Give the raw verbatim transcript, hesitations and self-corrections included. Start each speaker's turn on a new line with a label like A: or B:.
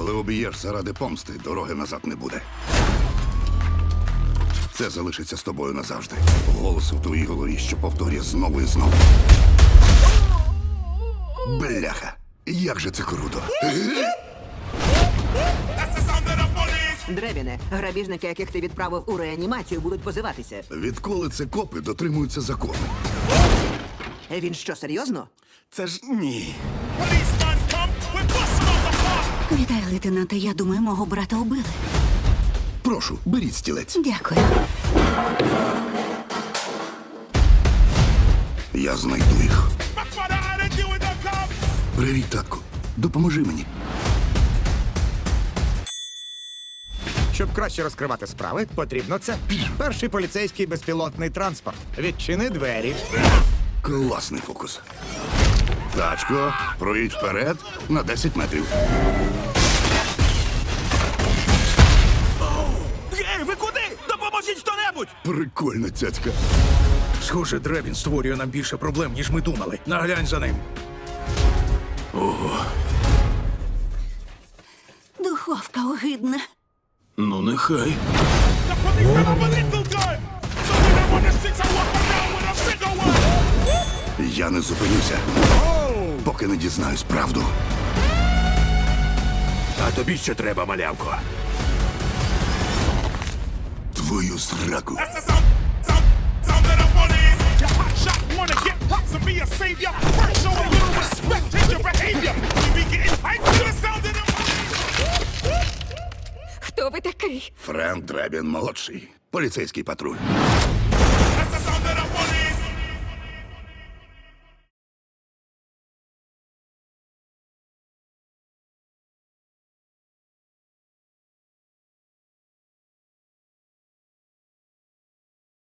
A: Коли обієш заради помсти, дороги назад не буде. Це залишиться з тобою назавжди. Голос у твоїй голові, що повторює знову і знову. Бляха, як же це круто.
B: Дребіне, грабіжники, яких ти відправив у реанімацію, будуть позиватися.
A: Відколи це копи дотримуються закону?
B: Він що, серйозно?
A: Це ж ні.
C: Вітаю, лейтенанте. Я думаю, мого брата убили.
A: Прошу, беріть стілець.
C: Дякую.
A: Я знайду їх. Привіт, татку. Допоможи мені.
D: Щоб краще розкривати справи, потрібно це. Перший поліцейський безпілотний транспорт. Відчини двері.
A: Класний фокус. Тачко, проїдь вперед на десять метрів.
E: Гей, ви куди? Допоможіть хто-небудь!
A: Прикольна цяцька.
E: Схоже, Дребін створює нам більше проблем, ніж ми думали. Наглянь за ним.
C: Духовка огидна.
E: Ну, нехай.
A: Я не зупинюся, поки не дізнаюсь правду.
E: А тобі що треба, малявко?
A: Твою зраку.
C: Хто ви такий?
A: Френк Дребін молодший. Поліцейський патруль.